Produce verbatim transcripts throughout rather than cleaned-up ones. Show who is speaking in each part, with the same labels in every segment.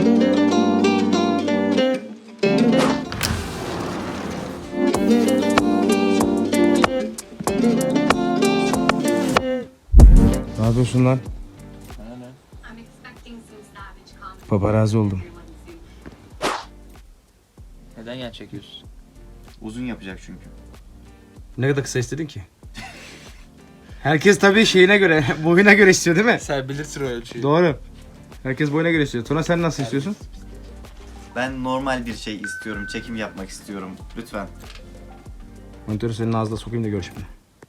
Speaker 1: Ne yapıyorsun lan? Paparazzi oldum.
Speaker 2: Neden yan çekiyorsun?
Speaker 3: Uzun yapacak çünkü.
Speaker 1: Ne kadar kısa istedin ki? Herkes tabii şeyine göre, boyuna göre istiyor değil mi?
Speaker 2: Sen bilirsin o ölçüyü.
Speaker 1: Doğru. Herkes boyuna göre istiyor. Tuna sen nasıl istiyorsun?
Speaker 3: Ben normal bir şey istiyorum. Çekim yapmak istiyorum. Lütfen.
Speaker 1: Monitörü senin ağzına sokayım da gör şimdi.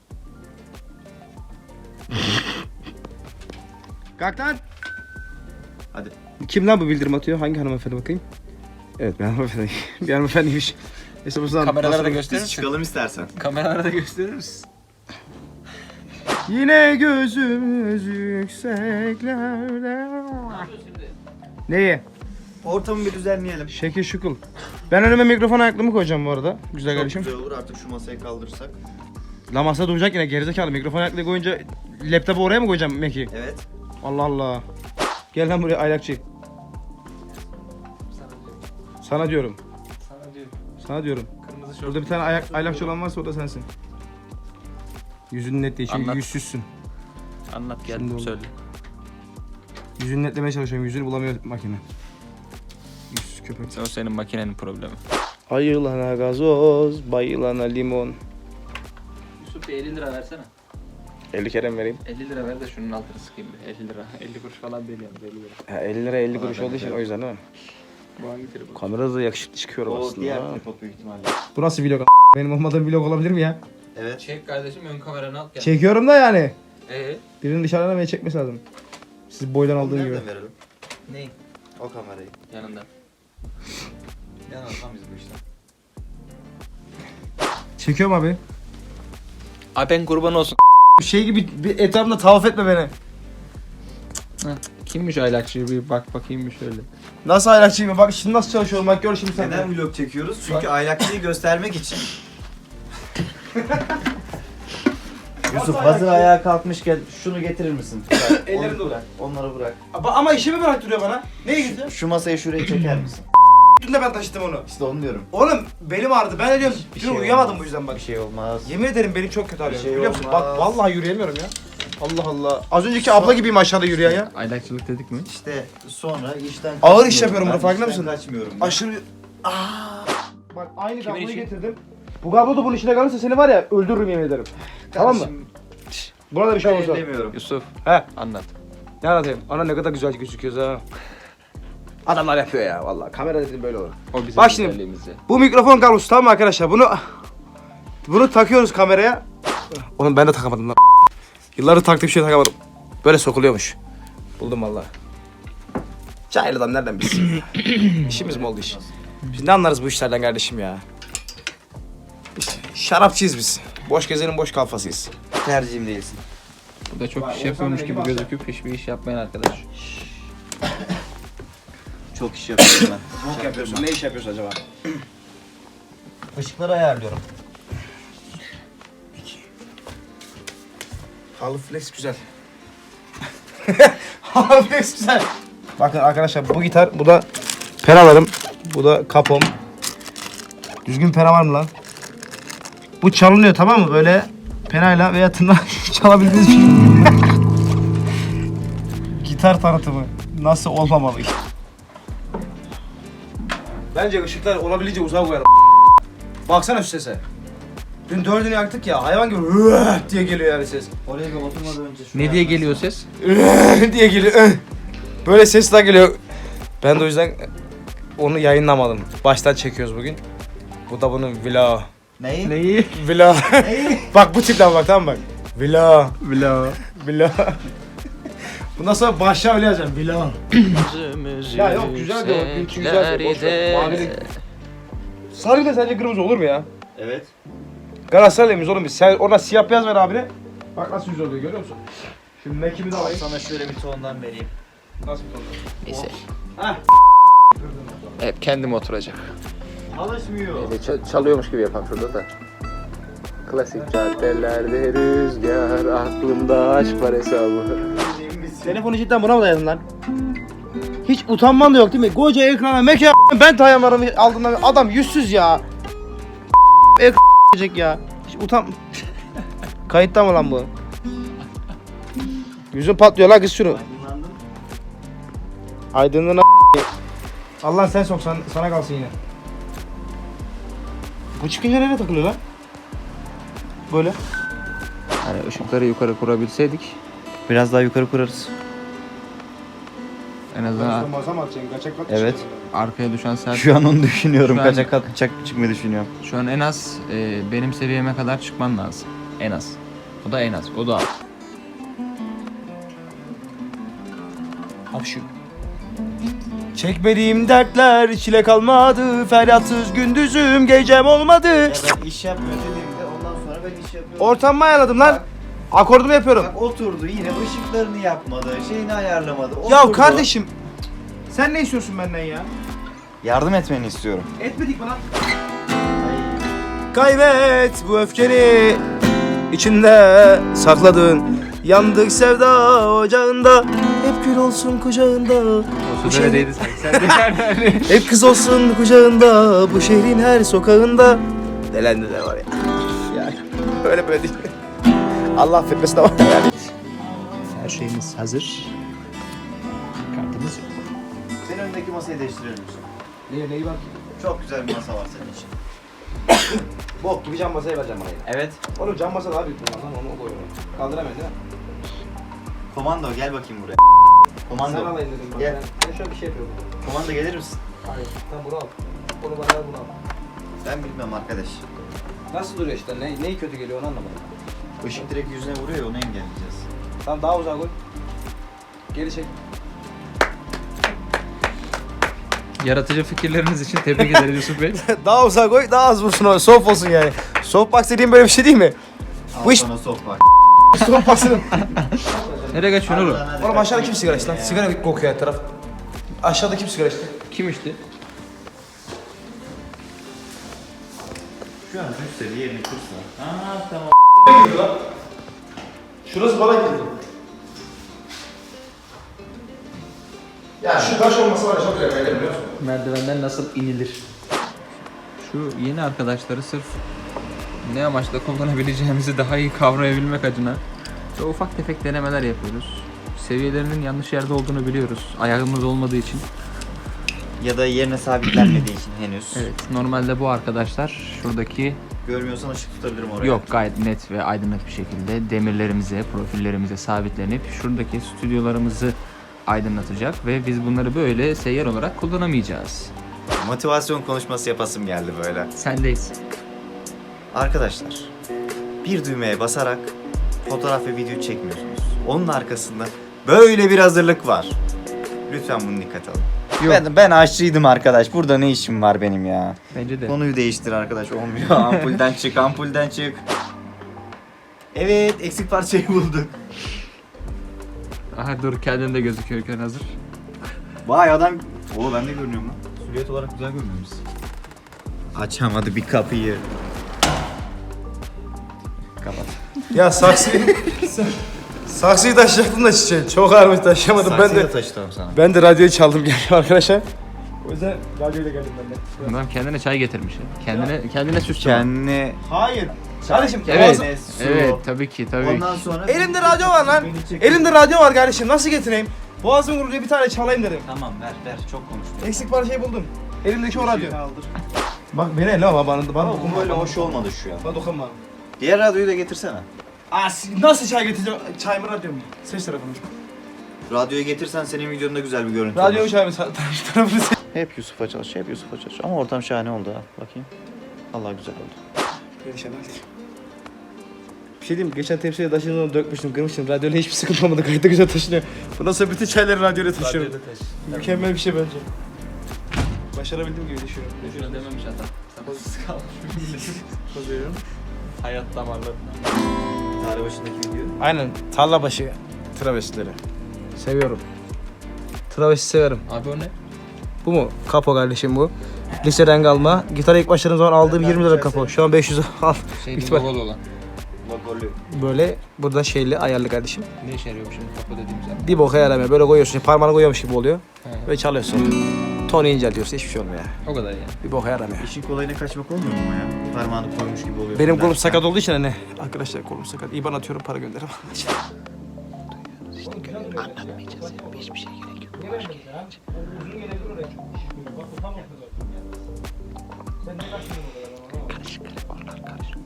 Speaker 1: Kalk lan!
Speaker 3: Hadi.
Speaker 1: Kim lan bu bildirim atıyor? Hangi hanımefendi bakayım? Evet, bir hanımefendi. bir hanımefendiymiş. Neyse bu zaman...
Speaker 2: Kameralara da
Speaker 3: Biz
Speaker 2: gösterir misin?
Speaker 3: çıkalım istersen.
Speaker 2: Kameralara da gösterir misin?
Speaker 1: Yine gözümüz yükseklerde... Neyi?
Speaker 3: Ortamı bir düzenleyelim.
Speaker 1: Şekil şukul. Ben önüme mikrofon ayaklığımı koyacağım bu arada. Güzel
Speaker 3: Çok
Speaker 1: kardeşim.
Speaker 3: güzel olur artık şu masayı kaldırırsak.
Speaker 1: La masa duracak yine gerizekalı. Mikrofon ayaklığı koyunca laptopu oraya mı koyacağım Meki?
Speaker 3: Evet.
Speaker 1: Allah Allah. Gel lan buraya aylakçı.
Speaker 2: Sana diyorum.
Speaker 1: Sana diyorum.
Speaker 2: Sana diyorum.
Speaker 1: Sana diyorum.
Speaker 2: Kırmızı şort.
Speaker 1: Burada bir tane ayak, aylakçı olan varsa o da sensin. Yüzünün net değil çünkü
Speaker 2: Anlat.
Speaker 1: yüzsüzsün.
Speaker 2: Anlat
Speaker 1: Şimdi
Speaker 2: geldim
Speaker 1: oldu.
Speaker 2: söyle.
Speaker 1: Yüzünü netlemeye çalışıyorum. Yüzünü bulamıyor makine. Yüzsüz köpek.
Speaker 2: O senin makinenin problemi.
Speaker 1: Ayılana gazoz, bayılana limon.
Speaker 2: Yusuf bir elli lira versene.
Speaker 1: elli kere mi vereyim?
Speaker 2: elli lira ver de şunun altını sıkayım bir. elli lira. elli kuruş falan değil yani. elli lira.
Speaker 1: Ha, elli lira elli kuruş
Speaker 3: ben
Speaker 1: olduğu için
Speaker 3: de-
Speaker 1: o yüzden değil mi?
Speaker 2: Bu hangi telefon?
Speaker 1: Kamerada da yakışıklı çıkıyorum
Speaker 3: O
Speaker 1: aslında.
Speaker 3: diğer
Speaker 1: ha.
Speaker 3: tripod büyük ihtimalle.
Speaker 1: Bu nasıl vlog a**? Benim olmadığım vlog olabilir mi ya?
Speaker 3: Evet.
Speaker 2: Çek kardeşim ön kameranı al gel.
Speaker 1: Çekiyorum da yani.
Speaker 2: Eee?
Speaker 1: Birinin dışarıdan beni çekmesi lazım. Siz boydan aldığın gibi.
Speaker 3: Nereden verelim?
Speaker 2: Ney?
Speaker 3: O kamerayı.
Speaker 2: Yanında.
Speaker 3: Yanılsam biz bu işten.
Speaker 1: Çekiyorum abi.
Speaker 2: Abi ben kurban olsun.
Speaker 1: Şey gibi bir etrafında tavaf etme beni.
Speaker 2: Kimmiş aylakçı bir bak bakayım bir şöyle.
Speaker 1: Nasıl aylakçıyım? Bak şimdi nasıl çalışıyorum bak gör şimdi sen.
Speaker 3: Neden vlog çekiyoruz? Çünkü aylakçıyı göstermek için. Yusuf hazır ayağa kalkmışken şunu getirir misin?
Speaker 1: Ellerim
Speaker 3: Onu
Speaker 1: dolu.
Speaker 3: bırak. Onları bırak.
Speaker 1: Ama işimi bıraktırıyor bana. Neye gitti?
Speaker 3: Şu masayı şuraya çeker misin?
Speaker 1: Dün de ben taşıdım onu.
Speaker 3: İşte onu diyorum.
Speaker 1: Oğlum belim ağrıdı. Ben de diyorum
Speaker 3: Bir
Speaker 1: dün
Speaker 3: şey
Speaker 1: uyuyamadım
Speaker 3: olmaz.
Speaker 1: bu yüzden bak.
Speaker 3: Bir şey olmaz.
Speaker 1: Yemin ederim belim çok kötü ağrıyor.
Speaker 3: şey
Speaker 1: Biliyor musun?
Speaker 3: olmaz.
Speaker 1: Bak vallahi yürüyemiyorum ya. Allah Allah. Az önceki abla gibiyim aşağıda yürüyen ya.
Speaker 2: Aylakçılık dedik mi?
Speaker 3: İşte sonra işten
Speaker 1: Ağır iş
Speaker 3: kaçmıyorum.
Speaker 1: yapıyorum
Speaker 3: Ben
Speaker 1: burada, farkında
Speaker 3: işten
Speaker 1: mısın?
Speaker 3: kaçmıyorum. ben.
Speaker 1: Aşırı... Aa. Bak aynı
Speaker 2: Kimin
Speaker 1: kabloyu
Speaker 2: işi?
Speaker 1: getirdim. Bu kablo da bunun içine kalırsa seni var ya öldürürüm yemin ederim. Tamam mı?
Speaker 3: Kardeşim,
Speaker 1: Buna da bir şey
Speaker 3: ben
Speaker 1: olursa.
Speaker 3: demiyorum.
Speaker 2: Yusuf
Speaker 1: He.
Speaker 2: anlat.
Speaker 1: Ne anlatayım? Ana ne kadar güzel gözüküyoruz ha. Adamlar yapıyor ya vallahi. Kamera dedim böyle olur.
Speaker 2: O bizim
Speaker 1: Bak şimdi.
Speaker 2: güzelliğimiz ya.
Speaker 1: Bu mikrofon kablosu tamam mı arkadaşlar? Bunu bunu takıyoruz kameraya. Oğlum ben de takamadım lan. Yıllardır taktığım şey takamadım. Böyle sokuluyormuş. Buldum vallahi. Cahil adam nereden bilsin? İşimiz mi oldu iş? Biz ne anlarız bu işlerden kardeşim ya? Biz şarapçıyız biz. Boş gezenin boş kafasıyız.
Speaker 3: Tercihim değilsin.
Speaker 2: Bu da çok
Speaker 1: Vay,
Speaker 2: iş
Speaker 1: Oğuzhan
Speaker 2: yapıyormuş
Speaker 1: da
Speaker 2: gibi
Speaker 1: gibi
Speaker 2: gözüküp hiçbir iş yapmayan arkadaş.
Speaker 3: Çok iş yapıyorum ben.
Speaker 1: Çok yapıyorsun. Ne iş yapıyorsun acaba?
Speaker 3: Işıkları ayarlıyorum.
Speaker 1: Halı flex güzel. Halı flex güzel. Bakın arkadaşlar bu gitar, bu da peralarım, bu da kapom. Düzgün pera var mı lan? Bu çalınıyor tamam mı? Böyle penayla veya tırnak çalabildiğiniz bir şey. Gitar tanıtımı nasıl olmamalı? Bence ışıklar olabildiğince uzağa koyalım. Baksana şu sese. Dün dördünü yaktık ya, hayvan gibi "Üah!" diye geliyor yani ses.
Speaker 3: Oraya bir oturmadan önce şunu
Speaker 2: Ne diye
Speaker 3: ayarlarsın.
Speaker 2: geliyor ses?
Speaker 1: "Üah!" diye geliyor. "Üah!" Böyle sesler geliyor. Ben de o yüzden onu yayınlamadım. Baştan çekiyoruz bugün. Bu da bunun vlog.
Speaker 3: Neyi?
Speaker 2: Neyi?
Speaker 1: Vlog.
Speaker 3: Neyi?
Speaker 1: Bak bu tipten bak tamam mı bak. Vlog.
Speaker 2: Vlog.
Speaker 1: Vlog. Bundan sonra başla öyle yazacağım. Vlog. Ya yok, güzel diyor, gülçü güzel diyor, boş ver. Mavilik. Sarı da sence kırmızı olur mu ya?
Speaker 3: Evet.
Speaker 1: Galatasaraylıyız oğlum biz. Sen oradan siyah beyaz ver abine. Bak nasıl güzel oluyor görüyor musun? Şimdi Mac'imi de alayım.
Speaker 3: Sana şöyle bir tondan vereyim.
Speaker 1: Nasıl bir tonda?
Speaker 2: Neyse.
Speaker 1: Heh.
Speaker 2: Hep kendim oturacak.
Speaker 3: Alışmıyor.
Speaker 2: Neyse çalıyormuş gibi yapalım şurada da. Klasik caddelerde rüzgar, aklımda aşk var hesabı.
Speaker 1: Telefonu cidden buna mı dayadın lan? Hiç utanman da yok değil mi? Koca ekrana mekan ben tayamarımı aldığımda adam yüzsüz ya. Ekran ya. Hiç utan... Kayıtta mı lan bu? Yüzün patlıyor la kız şunu.
Speaker 3: Aydınlandım.
Speaker 1: Aydınlığına Allah sen sok sana, sana kalsın yine. Bu çıkınca nereye takılıyor lan? Böyle.
Speaker 2: Hani ışıkları yukarı kurabilseydik
Speaker 3: Biraz daha yukarı kurarız.
Speaker 2: en azından
Speaker 1: Masa mı atacaksın? Kaçak kat
Speaker 3: Evet.
Speaker 2: arkaya düşen saat
Speaker 3: Şu an onu düşünüyorum.
Speaker 2: Şu an-
Speaker 3: Kaçak kalkacak çıkmayı düşünüyorum.
Speaker 2: şu an en az e, benim seviyeme kadar çıkman lazım. En az. O da en az. O da az.
Speaker 1: Hapşu. Çekmediğim dertler çile kalmadı. Feryatsız gündüzüm gecem olmadı.
Speaker 3: Ya ben iş yapmıyor dediğimde ondan sonra ben iş yapıyorum.
Speaker 1: Ortamı ayarladım lan. Akordumu yapıyorum.
Speaker 3: Bak oturdu yine ışıklarını yapmadı, şeyini ayarlamadı.
Speaker 1: Ya
Speaker 3: oturdu.
Speaker 1: kardeşim. Sen ne istiyorsun benden ya?
Speaker 3: Yardım etmeni istiyorum.
Speaker 1: Etmedik mi lan? Kaybet bu öfkeni içinde sakladın. Yandık sevda ocağında. Hep gül olsun kucağında. Bu şehrin-
Speaker 2: Neredeydi sanki? Sen de nerede?
Speaker 1: Hep kız olsun kucağında. Bu şehrin her sokağında. Delendi de var ya. Yani öyle böyle değil. Allah affetmesin ama yani.
Speaker 2: Her şeyimiz hazır. Kartımız yok.
Speaker 3: Senin önündeki masayı değiştirelim misin?
Speaker 1: Neye neyi bak?
Speaker 3: Çok güzel bir masa var senin için.
Speaker 1: Bok gibi cam masayı vereceğim bana yine.
Speaker 3: Evet.
Speaker 1: Oğlum cam masa daha büyük bunlardan onu koyuyorum. Kaldıramıyorum değil mi?
Speaker 3: Komando gel bakayım buraya.
Speaker 1: Sen
Speaker 3: Komando.
Speaker 1: alayım dedim bak.
Speaker 3: Gel.
Speaker 1: Ben, ben şöyle bir şey yapıyorum.
Speaker 3: Komando gelir misin?
Speaker 1: Hayır. Sen bunu al. Onu bana al bunu al.
Speaker 3: Ben bilmem arkadaş.
Speaker 1: Nasıl duruyor işte? Ne, neyi kötü geliyor onu anlamadım.
Speaker 3: Işık direkt yüzüne vuruyor ya onu engelleyeceğiz.
Speaker 1: Tamam daha uzağa koy. Geri çek.
Speaker 2: Yaratıcı fikirleriniz için tebrik ederiz Yusuf Bey.
Speaker 1: Daha uzağa koy, daha az vursun o. Soft olsun yani. Softbox dediğim böyle bir şey değil mi?
Speaker 3: Al
Speaker 1: Bu iş-
Speaker 3: sana sok bak.
Speaker 1: Softbox'ın.
Speaker 2: Nereye kaçıyorsun oğlum?
Speaker 1: Oğlum aşağıda kim sigara içti lan? Sigara kokuyor her taraf. Aşağıda kim sigara içti?
Speaker 2: Kim içti?
Speaker 3: Şu an düşse bir yerini kırsa. Aa tamam.
Speaker 1: Şurası bana girdi. Ya şu taş olmasa var ya çok güzel kaydı biliyor musun?
Speaker 2: Merdivenden nasıl inilir? Şu yeni arkadaşları sırf ne amaçla kullanabileceğimizi daha iyi kavrayabilmek adına çok ufak tefek denemeler yapıyoruz. Seviyelerinin yanlış yerde olduğunu biliyoruz. Ayağımız olmadığı için.
Speaker 3: Ya da yerine sabitlenmediği için henüz.
Speaker 2: Evet, normalde bu arkadaşlar şuradaki
Speaker 3: Görmüyorsan ışık tutabilirim oraya.
Speaker 2: yok gayet net ve aydınlık bir şekilde demirlerimize, profillerimize sabitlenip şuradaki stüdyolarımızı aydınlatacak ve biz bunları böyle seyyar olarak kullanamayacağız.
Speaker 3: Motivasyon konuşması yapasım geldi böyle.
Speaker 2: Sendeyiz.
Speaker 3: Arkadaşlar, bir düğmeye basarak fotoğraf ve video çekmiyorsunuz. Onun arkasında böyle bir hazırlık var. Lütfen bunu dikkate alın.
Speaker 2: Yok.
Speaker 3: Ben, ben aşçıydım arkadaş. Burada ne işim var benim ya?
Speaker 2: Bence de.
Speaker 3: Konuyu değiştir arkadaş. Olmuyor. Ampulden çık, ampulden çık. Evet, eksik parçayı bulduk.
Speaker 2: Aha dur kendin de gözüküyorken hazır.
Speaker 3: Vay adam. Oo ben de görünüyorum lan. Silüet olarak güzel görünüyoruz. Açamadı bir kapıyı. Kapat.
Speaker 1: Ya saksıyı... saksıyı taşıyacaktım da çiçeği. Çok ağırmış taşıyamadım. Ben
Speaker 3: Saksıyı
Speaker 1: de
Speaker 3: da taşıdım sana.
Speaker 1: ben de radyoyu çaldım geldim arkadaşlar. O yüzden radyoyla geldim ben de.
Speaker 2: Adam kendine çay getirmiş. ya. Kendine kendine süs çalar.
Speaker 3: Kendine...
Speaker 1: Hayır. Kardeşim
Speaker 2: Evet.
Speaker 1: boğazım-
Speaker 3: Kendine su.
Speaker 2: Evet tabii ki tabii.
Speaker 3: Ondan sonra...
Speaker 1: Elimde radyo var lan.
Speaker 3: Beni çek-
Speaker 1: Elimde radyo var kardeşim. Nasıl getireyim? Boğazım kuruluyor bir tane çalayım dedim.
Speaker 3: Tamam ver ver çok konuştum.
Speaker 1: Eksik parçayı buldum. Elimdeki o radyo.
Speaker 3: Kaldır.
Speaker 1: Bak beni elle ama bana, bana
Speaker 3: Ama bu
Speaker 1: dokunma.
Speaker 3: böyle hoş olmadı şu an.
Speaker 1: Bana dokunma.
Speaker 3: Diğer radyoyu da getirsene.
Speaker 1: Aa, si- nasıl çay getireceğim? Çay mı radyo mu? Seç tarafını.
Speaker 3: Radyoyu getirsen senin videonda güzel bir görüntü
Speaker 1: Radyo mu
Speaker 3: olur.
Speaker 1: çay mı? Sa- tarafını seç.
Speaker 3: Hep Yusuf'a çalış, hep Yusuf'a çalış. Ama ortam şahane oldu ha. Bakayım. Allah güzel oldu.
Speaker 1: Perişan oldum. Bir şey diyeyim mi? Geçen tepsiye taşıdığımda onu dökmüştüm, kırmıştım. Radyoyla hiçbir sıkıntı olmadı. Gayet de güzel taşınıyor. Bundan sonra bütün çayları radyoyla taşıyorum. Mükemmel bir şey bence. Başarabildiğim gibi düşünüyorum.
Speaker 2: Şuna dememiş adam. Sabırsız kalmış.
Speaker 1: Kozuyorum.
Speaker 2: Hayat damarlarına.
Speaker 3: Tarih başındaki video.
Speaker 1: Aynen. Tarla başı travestileri. Seviyorum. Travesti severim.
Speaker 2: Abi o ne?
Speaker 1: Bu mu? Kapo kardeşim bu. Liseden kalma. Gitara ilk başladığım zaman aldığım yirmi lira kapo. Şu an beş yüz al.
Speaker 2: Şey
Speaker 1: İhtimal.
Speaker 2: logo olan.
Speaker 3: Logo Dekorlu.
Speaker 1: Böyle burada şeyli ayarlı kardeşim.
Speaker 2: Ne işe yarıyor bu şimdi kapı dediğimiz yer?
Speaker 1: Bir boka yaramıyor. Böyle koyuyorsun. Parmağını koyuyormuş gibi oluyor.
Speaker 2: He.
Speaker 1: Ve çalıyorsun. Tonu inceliyorsun. Hiçbir şey olmuyor.
Speaker 2: O kadar yani.
Speaker 1: Bir boka yaramıyor.
Speaker 3: İşin kolayına kaçmak olmuyor mu ya? Parmağını koymuş gibi oluyor.
Speaker 1: Benim kolum sakat olduğu için hani. Arkadaşlar kolum sakat. İban atıyorum, para gönderirim. Anlatmayacağız ya. Hiçbir şey gerek yok. Karışık onlar karışık.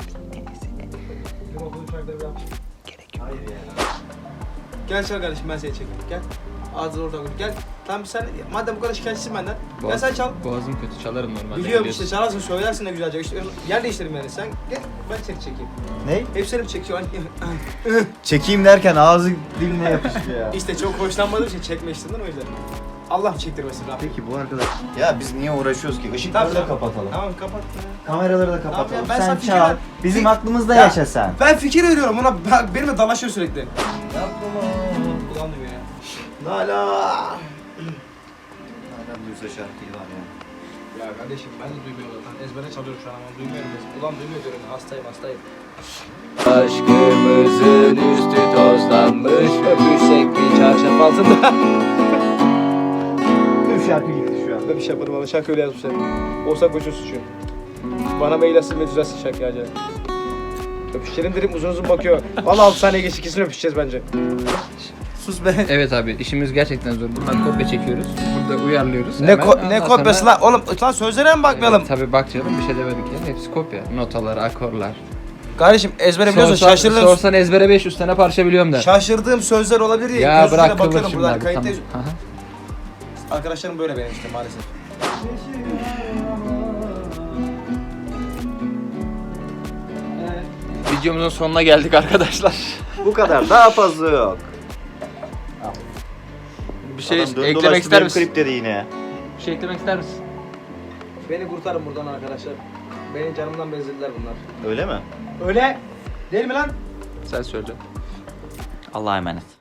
Speaker 1: Gerek yok. Gel çal kardeşim, ben seni çekeyim. Gel. Ağzını oradan koy. Gel. Tamam sen madem bu kadar şikayetçisin benden. Gel sen çal.
Speaker 2: Boğazım kötü, çalarım normalde.
Speaker 1: Biliyorum
Speaker 2: biliyorsun.
Speaker 1: işte, çalarsın, söylersin de güzelce. İşte yer değiştirelim yani. Sen gel, ben seni çekeyim.
Speaker 3: Ne?
Speaker 1: Hepsini mi çekiyor?
Speaker 3: Çekeyim derken ağzı diline yapıştı ya.
Speaker 1: İşte çok hoşlanmadığım için çekme işinden o yüzden. Allah çektirmesin Rabbim.
Speaker 3: Peki bu arkadaş. Ya biz niye uğraşıyoruz ki?
Speaker 1: Tamam,
Speaker 3: Işıkları da
Speaker 1: tamam.
Speaker 3: kapatalım.
Speaker 1: Tamam kapat.
Speaker 3: Kameraları da
Speaker 1: Tamam
Speaker 3: kapatalım.
Speaker 1: ya, ben sana
Speaker 3: sen
Speaker 1: fikir
Speaker 3: çal.
Speaker 1: ver-
Speaker 3: Bizim
Speaker 1: Fik-
Speaker 3: aklımızda
Speaker 1: Ya.
Speaker 3: yaşa sen.
Speaker 1: Ben fikir veriyorum ona, ben- benimle dalaşıyor sürekli.
Speaker 3: Yapma.
Speaker 1: Ulan diyor ya.
Speaker 3: Nala. Nereden duysa şarkıyı var ya.
Speaker 1: Ya kardeşim ben de duymuyorum zaten. Ezbere çalıyorum şu an ama duymuyorum. Ulan duymuyor diyorum. Hastayım hastayım. Aşkımızın üstü tozlanmış, öpüşsek bir çarşaf altında.
Speaker 3: Tüm şarkı gitti şu an.
Speaker 1: Ben bir şey yaparım ama şarkı öyle yazmışlar. Olsa koçun suçu. Bana mail atsın ve düzelsin şarkıyı acaba. Öpüşelim dedim, uzun uzun bakıyor. Vallahi altı saniye geç, ikisini öpüşeceğiz bence. Sus be.
Speaker 2: Evet abi, işimiz gerçekten zor. Buradan kopya çekiyoruz. Burada uyarlıyoruz.
Speaker 1: Ne,
Speaker 2: Hemen.
Speaker 1: ko- ne
Speaker 2: Ondan
Speaker 1: kopyası
Speaker 2: sonra-
Speaker 1: lan? Oğlum lan sözlere mi bakmayalım?
Speaker 2: Evet, tabii bak canım, bir şey demedik yani. Hepsi kopya. Notalar, akorlar.
Speaker 1: Kardeşim ezbere biliyorsun,
Speaker 2: Sorsan,
Speaker 1: şaşırdığım,
Speaker 2: sorsan ezbere beş yüz tane parça biliyorum da.
Speaker 1: şaşırdığım sözler olabilir diye
Speaker 2: Ya
Speaker 1: göz
Speaker 2: bırak
Speaker 1: ucuyla
Speaker 2: kıvır
Speaker 1: bakıyorum
Speaker 2: şimdi
Speaker 1: buradan
Speaker 2: abi.
Speaker 1: kayıttayız.
Speaker 2: Tamam. Aha.
Speaker 1: Arkadaşlarım böyle benim işte maalesef.
Speaker 2: Videomuzun sonuna geldik arkadaşlar.
Speaker 3: Bu kadar. Daha fazla yok.
Speaker 2: Bir şey
Speaker 3: Adam döndü
Speaker 2: eklemek
Speaker 3: dolaştı,
Speaker 2: ister
Speaker 3: benim
Speaker 2: misin?
Speaker 3: Klip dedi yine.
Speaker 2: Bir şey eklemek ister misin?
Speaker 1: Beni kurtarın buradan arkadaşlar. Benim canımdan bezdirdiler bunlar.
Speaker 3: Öyle mi?
Speaker 1: Öyle değil mi lan?
Speaker 2: Sen söyle.
Speaker 3: Allah'a emanet.